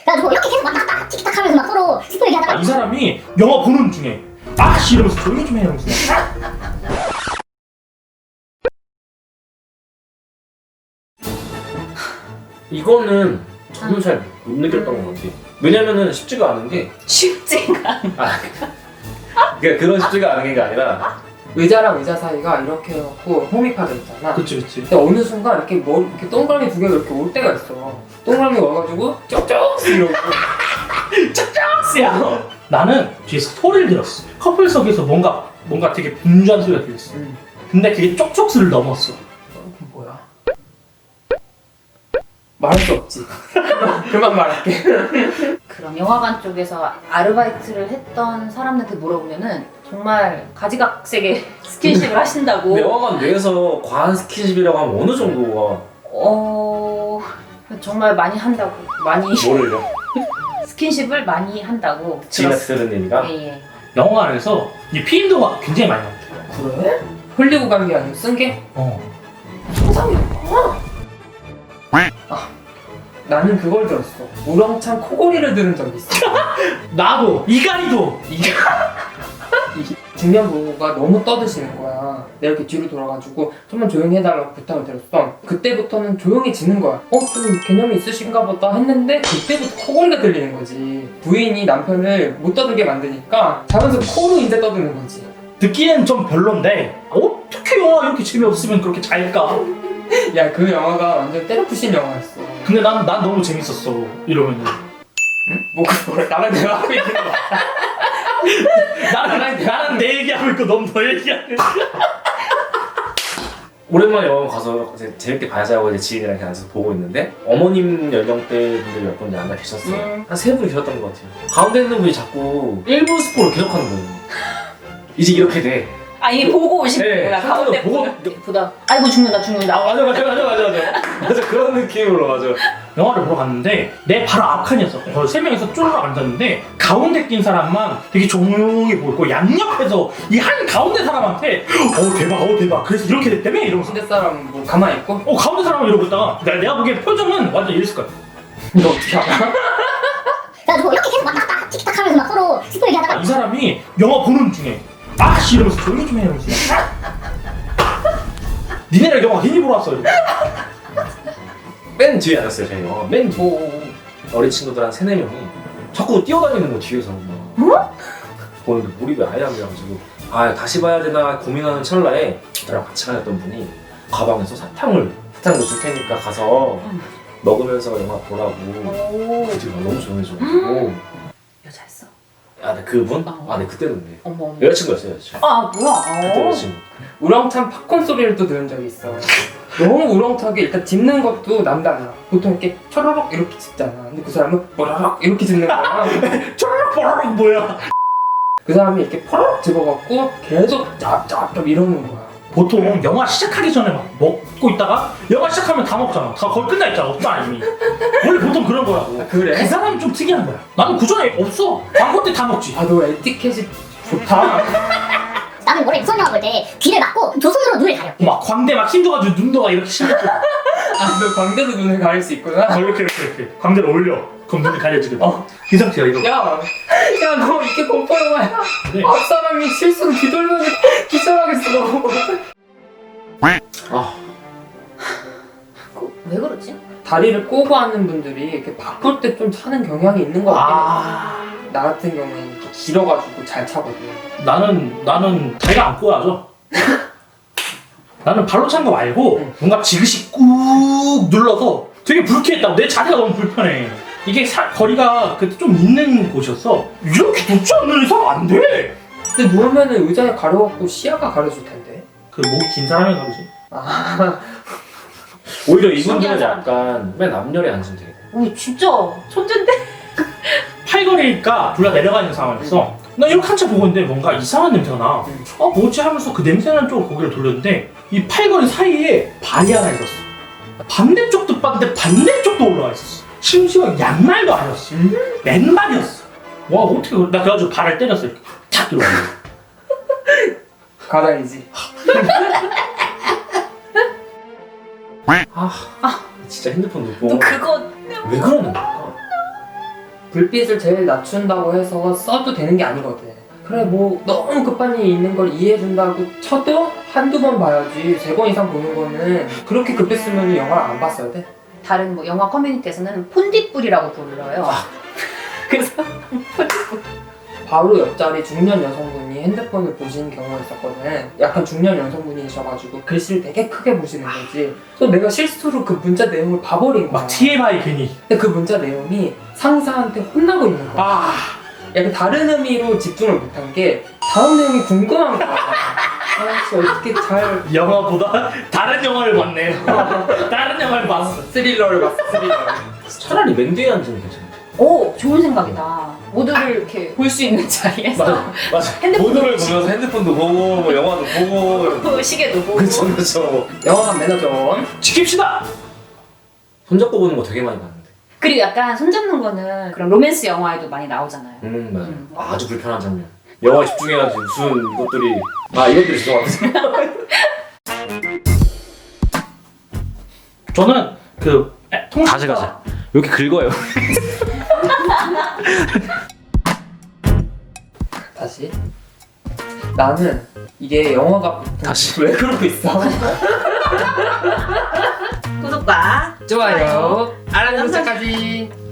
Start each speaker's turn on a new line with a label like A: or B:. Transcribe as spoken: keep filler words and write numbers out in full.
A: 그래가지고 이렇게 계속 왔다 갔다 티키타카 하면서 막 서로 스포 얘기하다가
B: 아, 이 사람이 영화 보는 중에 아씨 이러면서 조용히 좀 해 이러면서
C: 이거는 저는 잘 못 느꼈던 것 같아. 왜냐면은 쉽지가 않은 게
D: 쉽지가
C: 아, 그러니까 그런 쉽지가 않은 게 아니라
E: 의자랑 의자 사이가 이렇게 해갖고 홈이파져 있잖아.
B: 그치 그치
E: 근데 어느 순간 이렇게 머리 이렇게 동그라미 두 개가 이렇게 올 때가 있어. 동그라미 와가지고 쩍쩍 이러고.
B: 짝짝스야 나는 뒤에서 소리를 들었어. 커플석에서 뭔가 뭔가 되게 분주한 소리가 들렸어.
E: 음.
B: 근데 그게 쪽쪽스를 넘었어.
E: 그럼 뭐야? 말할 수 없지. 그만 말할게.
D: 그럼 영화관 쪽에서 아르바이트를 했던 사람들한테 물어보면은 정말 가지각색의 스킨십을 하신다고.
C: 영화관 내에서 과한 스킨십이라고 하면 어느 정도가
D: 어 정말 많이 한다고 많이
C: 뭐를요?
D: 스킨십을 많이 한다고
C: 지인한테 들은 얘기가?
D: 예예.
B: 영화관에서 이 피임도가 굉장히 많이 나왔대.
E: 그래? 흘리고 간 게 아니고 쓴 게?
B: 어.
E: 상상이었구나. 아, 나는 그걸 들었어. 우렁찬 코골이를 들은 적이 있어.
B: 나도 이가리도
E: 이게 이 중년 부부가 너무 떠드시는 거야. 내가 이렇게 뒤로 돌아가지고 좀만 조용히 해달라고 부탁을 드렸어. 그때부터는 조용해지는 거야. 어? 좀 개념이 있으신가 보다 했는데 그때부터 코골이가 들리는 거지. 부인이 남편을 못 떠들게 만드니까 자면서 코로 이제 떠드는 거지.
B: 듣기엔 좀 별론데 어떻게 영화 이렇게 재미없으면 그렇게 잘까?
E: 야, 그 영화가 완전 때려부신 영화였어.
B: 근데 난, 난 너무 재밌었어 이러면은
E: 응? 뭐 그걸 나랑 대화하고 있는 거 같아.
B: 나는, 나는 내 얘기하고 있고 넌 너 얘기하고 있어.
C: 오랜만에 영화관 가서 이제 재밌게 봐자고 이제 지인이랑 이렇게 앉아서 보고 있는데 어머님 연령대 분들이 몇 분이 앉아 계셨어요.
E: 음.
C: 한 세 분이 계셨던 것 같아요. 가운데 있는 분이 자꾸 일부 스포를 계속하는 거예요. 이제 이렇게 돼.
D: 아 이게 보고 오신
C: 네,
D: 거구나. 가운데
C: 보고-
D: 보고 보다. 아이고 죽는다 죽는다.
C: 아 맞아 맞아 맞아 맞아 맞아 맞아 그런 느낌으로 맞아.
B: 영화를 보러 갔는데 내 바로 앞칸이었어. 거의 세 명이서 쫄르 앉았는데 가운데 낀 사람만 되게 조용히 보이고 양옆에서 이 한 가운데 사람한테 어 대박 어 대박 그래서 이렇게 됐다며 이러면서
E: 상대 사람 뭐 가만히 있고?
B: 어 가운데 사람은 이러고 있다가 내가, 내가 보기엔 표정은 완전 이랬을 거야.
E: 너 어떻게 알아?
A: 그래가지고 이렇게 계속 왔다 갔다 티키타카 하면서 막 서로 스포 얘기하다가
B: 이 사람이 영화 보는 중에 아씨 이러면서 조용히 좀 해 이러면서 니네랑 영화 괜히 보러 왔어 이러고.
C: 맨 뒤에 앉았어요 저희 영화. 맨 뒤. 어린 친구들 한 세네 명이 자꾸 뛰어다니는 거 뒤에서 막 보는데 몰입이 아예 안 돼가지고 아 다시 봐야 되나 고민하는 찰나에 저랑 같이 가셨던 분이 가방에서 사탕을 사탕을 줄 테니까 가서 먹으면서 영화 보라고
D: 오
C: 그 뒤로 너무 조용해져가지고
D: 여자였어.
C: 아 네 그분?
D: 어.
C: 아 네 그때는 네
D: 어머 어머.
C: 여자친구였어요 여자친구.
D: 아 뭐야?
C: 그때
D: 어.
C: 여자친구.
E: 우렁찬 팝콘 소리를 또 들은 적이 있어. 너무 우렁차게 일단 짚는 것도 남달라. 보통 이렇게 초로록 이렇게 짚잖아. 근데 그 사람은 뽀로록 이렇게 짚는 거야.
B: 쪼르륵 뽀르륵 뭐야.
E: 그 사람이 이렇게 포로록 집어갖고 계속 짭짭짭 이러는 거야.
B: 보통 영화 시작하기 전에 막 먹고 있다가 영화 시작하면 다 먹잖아. 다 거의 끝나 있잖아. 없잖아 이미. 원래 보통 그런 거라고.
E: 아, 그래?
B: 그 사람이 좀 특이한 거야. 나는 그 전에 없어. 광고 때 다 먹지.
E: 아, 너 에티켓이 좋다.
A: 나는 원래 무서운 영화 볼 때 귀를 막고 두 손으로 눈을 가려.
B: 막 광대 막 힘줘가지고 눈도 막 이렇게 실렸고.
E: 아, 너 광대로 눈을 가릴 수 있구나.
B: 어, 이렇게 이렇게 이렇게 광대를 올려. 그럼 눈이 가려지거든.
E: 어.
B: 이 상태야 이거.
E: 야, 야, 너 이렇게 공포 영화야.
B: 네.
E: 앞사람이 실수로 뒤돌면 기절하겠어, 너.
C: 아
D: 그, 왜 그러지?
E: 다리를 꼬고 하는 분들이 이렇게 바쁠 때 좀 차는 경향이 있는 것 같아.
B: 아
E: 나 같은 경우에는 이렇게 길어가지고 잘 차거든.
B: 나는 나는 다리가 안 꼬여져. 나는 발로 찬 거 말고
E: 응.
B: 뭔가 지그시 꾹 눌러서 되게 불쾌했다고. 내 자리가 너무 불편해. 이게 사, 거리가 그때 좀 있는 곳이었어. 이렇게 높지 않는 이상 안 돼.
E: 근데 누우면은 의자에 가려갖고 시야가 가려질 텐데.
B: 그 목이 긴 사람이 가르지.
E: 아,
C: 오히려 이분들은
D: 신기한 사람.
C: 약간 맨 앞열에 앉으면 돼.
D: 오 진짜 천재인데?
B: 팔걸이니까 둘 다 내려가 있는 상황이었어. 나 이렇게 한참 보고 있는데 뭔가 이상한 냄새가 나.
E: 응.
B: 어 뭐지 하면서 그 냄새나는 쪽으로 고개를 돌렸는데 이 팔걸이 사이에 발이 하나 있었어. 반대쪽도 봤는데 반대쪽도 올라와 있었어. 심지어 양말도 아니었어.
E: 음?
B: 맨발이었어. 와 어떻게 그래? 나 그래가지고 발을 때렸어. 이렇게 탁 들어가.
E: 가다이지.
C: 아 진짜 핸드폰
D: 너
C: 놓고
D: 그거
C: 왜 그러는 걸까?
E: 불빛을 제일 낮춘다고 해서 써도 되는 게 아니거든. 그래 뭐 너무 급한 일이 있는 걸 이해해준다고 쳐도 한두 번 봐야지. 세 번 이상 보는 거는 그렇게 급했으면 영화를 안 봤어야 돼.
D: 다른 뭐 영화 커뮤니티에서는 폰디뿔이라고 불러요. 그래서
E: 바로 옆자리 중년 여성분이 핸드폰을 보시는 경우가 있었거든. 약간 중년 여성분이셔가지고 글씨를 되게 크게 보시는 거지. 또 내가 실수로 그 문자 내용을 봐버린 거야.
B: 막 티엠아이 괜히.
E: 근데 그 문자 내용이 상사한테 혼나고 있는 거야.
B: 아.
E: 약간 다른 의미로 집중을 못한 게 다음 내용이 궁금한 거야. 아, 진짜 어떻게 잘
B: 영화보다 다른 영화를 봤네. 다른 영화를 봤어.
E: 스릴러를 봤어, 스릴러.
C: 차라리 맨 뒤에 앉으면 괜찮아.
D: 오 좋은 생각이다. 모두를 이렇게 볼 수 있는 자리에서
C: 맞아, 맞아.
D: 핸드폰
C: 모드를 보면서 핸드폰도 보고, 뭐 영화도 보고.
D: 그 시계도 보고.
C: 그쵸, 그쵸.
E: 영화관 매너전.
B: 지킵시다.
C: 손잡고 보는 거 되게 많이 봤는데.
D: 그리고 약간 손잡는 거는 그런 로맨스 영화에도 많이 나오잖아요.
C: 음, 맞아.
D: 음.
C: 아주 불편한 장면. 영화에 집중해야지 무슨 이것들이. 아, 이것들이 죄송합니다.
B: 저는 그 에, 통
C: 가자, 가자. 이렇게 긁어요.
E: 다시. 나는 이게 영화가
C: 다시.
E: 왜 그러고 있어?
D: 구독과
E: 좋아요. 알람 설정까지.